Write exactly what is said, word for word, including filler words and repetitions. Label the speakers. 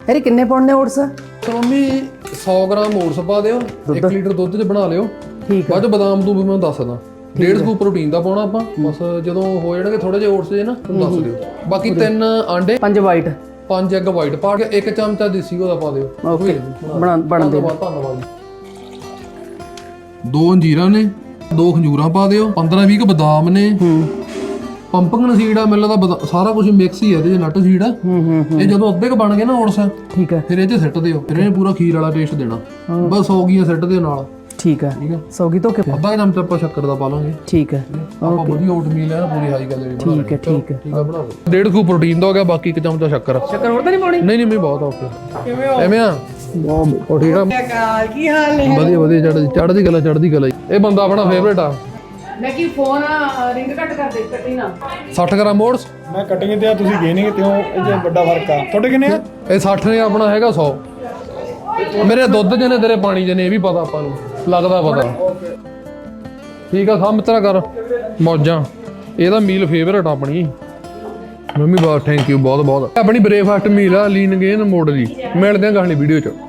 Speaker 1: ਯਾਰ ਕਿੰਨੇ ਪਾਉਣੇ ਓਟਸ?
Speaker 2: ਮੰਮੀ ਸੌ ਗ੍ਰਾਮ ਓਟਸ ਪਾ ਦਿਓ, ਇੱਕ ਲੀਟਰ ਦੁੱਧ 'ਚ ਬਣਾ ਲਿਓ।
Speaker 1: ਠੀਕ
Speaker 2: ਬਾਅਦ 'ਚ ਬਦਾਮ ਦੂ ਵੀ ਮੈਂ ਦੱਸਦਾ। ਡੇਢ ਸਕੂਪ ਪ੍ਰੋਟੀਨ ਦਾ ਪਾਉਣਾ ਆਪਾਂ, ਬਸ ਜਦੋਂ ਹੋ ਜਾਣਗੇ ਥੋੜੇ ਜਿਹੇ ਓਟਸ ਜੇ ਨਾ ਤੁਹਾਨੂੰ ਦੱਸ ਦਿਓ। ਬਾਕੀ ਤਿੰਨ ਆਂਡੇ,
Speaker 1: ਪੰਜ ਵਾਈਟ,
Speaker 2: ਪੰਜ ਐਗ ਵਾਈਟ ਪਾ ਕੇ ਇੱਕ ਚਮਚਾ ਦੇਸੀ ਘਿਓ ਦਾ ਪਾ ਦਿਓ।
Speaker 1: ਓਕੇ ਬਣਾ ਬਣ ਦੇ।
Speaker 2: ਧੰਨਵਾਦ ਜੀ। ਦੋ ਅੰਜੀਰਾਂ ਨੇ, ਦੋ ਖੰਜੂਰਾਂ ਪਾ ਦਿਓ, ਪੰਦਰਾਂ ਵੀਹ ਬਦਾਮ ਨੇ,
Speaker 1: ਹੂੰ
Speaker 2: ਪੰਪਕਿਨ ਸੀਡ ਆ, ਮੈਨੂੰ ਲੱਗਦਾ ਸਾਰਾ ਕੁਝ ਮਿਕਸ ਹੀ ਆ ਇਹਦੇ ਚ, ਨਟ ਸੀਡ ਆ।
Speaker 1: ਹੂੰ ਹੂੰ
Speaker 2: ਇਹ ਜਦੋਂ ਅੱਧੇ ਕ ਬਣ ਗਏ ਨਾ ਓਟਸ,
Speaker 1: ਠੀਕ ਹੈ,
Speaker 2: ਫਿਰ ਇਹ ਚ ਸਿੱਟ ਦਿਓ। ਫਿਰ ਇਹਨੇ ਪੂਰਾ ਖੀਰ ਵਾਲਾ ਟੇਸਟ ਦੇਣਾ। ਬਸ ਸੌ ਗੀਆਂ ਸਿੱਟ ਦਿਓ ਨਾਲ।
Speaker 1: ਠੀਕ ਹੈ,
Speaker 2: ਠੀਕ ਹੈ,
Speaker 1: ਸੌਗੀ ਧੋ ਕੇ
Speaker 2: ਅੱਧਾ ਚਮਚਾ ਆਪਾਂ ਸ਼ੱਕਰ ਦਾ ਪਾ ਲਾਂਗੇ।
Speaker 1: ਠੀਕ ਹੈ,
Speaker 2: ਆਪਾਂ ਵਧੀਆ ਓਟ ਮੀਲ ਹੈ ਨਾ, ਪੂਰੀ ਹਾਈ ਕੈਲੋਰੀ ਬਣਾ
Speaker 1: ਠੀਕ ਹੈ, ਠੀਕ ਹੈ।
Speaker 2: ਠੀਕ ਆ, ਬਣਾ ਲਓ। ਡੇਢ ਸਕੂਪ ਪ੍ਰੋਟੀਨ ਦਾ ਹੋ ਗਿਆ, ਬਾਕੀ ਇੱਕ ਚਮਚਾ ਸ਼ੱਕਰ।
Speaker 1: ਸ਼ੱਕਰ ਹੋਰ ਤਾਂ ਨਹੀਂ ਪਾਉਣੀ?
Speaker 2: ਨਹੀਂ ਨਹੀਂ ਮੈਂ ਬਹੁਤ ਓਕੇ।
Speaker 1: ਕਿਵੇਂ ਹੋ?
Speaker 2: ਐਵੇਂ ਆ
Speaker 1: ਬਹੁਤ
Speaker 2: ਉਹ ਠੀਕ ਆ,
Speaker 1: ਕੀ ਹਾਲ ਨੇ?
Speaker 2: ਵਧੀਆ ਵਧੀਆ, ਚੜ੍ਹਦੀ ਚੜ੍ਹਦੀ ਕਲਾ ਚੜ੍ਹਦੀ ਕਲਾ। ਇਹ ਬੰਦਾ ਆਪਣਾ ਫੇਵਰੇਟ ਆ।
Speaker 1: ਮੈਂ ਕੀ ਫੋਨ ਰਿੰਗ ਕੱਟ ਕਰ ਦੇ, ਕੱਟੀ ਨਾ।
Speaker 2: ਸੱਠ ਗ੍ਰਾਮ ਓਟਸ
Speaker 3: ਮੈਂ ਕਟਿੰਗ ਤੇ ਆ, ਤੁਸੀਂ ਗੇਨਿੰਗ ਤੇ ਹੋ, ਇਹ ਜੇ ਵੱਡਾ ਫਰਕ ਆ। ਤੁਹਾਡੇ ਕਿੰਨੇ ਆ?
Speaker 2: ਇਹ ਸੱਠ ਨੇ, ਆਪਣਾ ਹੈਗਾ ਸੌ। ਮੇਰੇ ਦੁੱਧ ਚ ਨੇ, ਤੇਰੇ ਪਾਣੀ ਚ ਨੇ, ਇਹ ਵੀ ਪਤਾ ਆਪਾਂ ਨੂੰ, ਲੱਗਦਾ ਪਤਾ। ਠੀਕ ਆ, ਕੰਮ ਤੇਰਾ ਕਰ ਮੌਜਾਂ। ਇਹਦਾ ਮੀਲ ਫੇਵਰੇਟ ਆਪਣੀ ਮੰਮੀ। ਬਹੁਤ ਥੈਂਕ ਯੂ ਬਹੁਤ ਬਹੁਤ। ਆਪਣੀ ਬ੍ਰੇਕਫਾਸਟ ਮੀਲ ਆ ਲੀਨ ਗੇਨ ਮੋਡ ਦੀ। ਮਿਲਦੇ ਆ ਅਗਲੀ ਵੀਡੀਓ ਚ।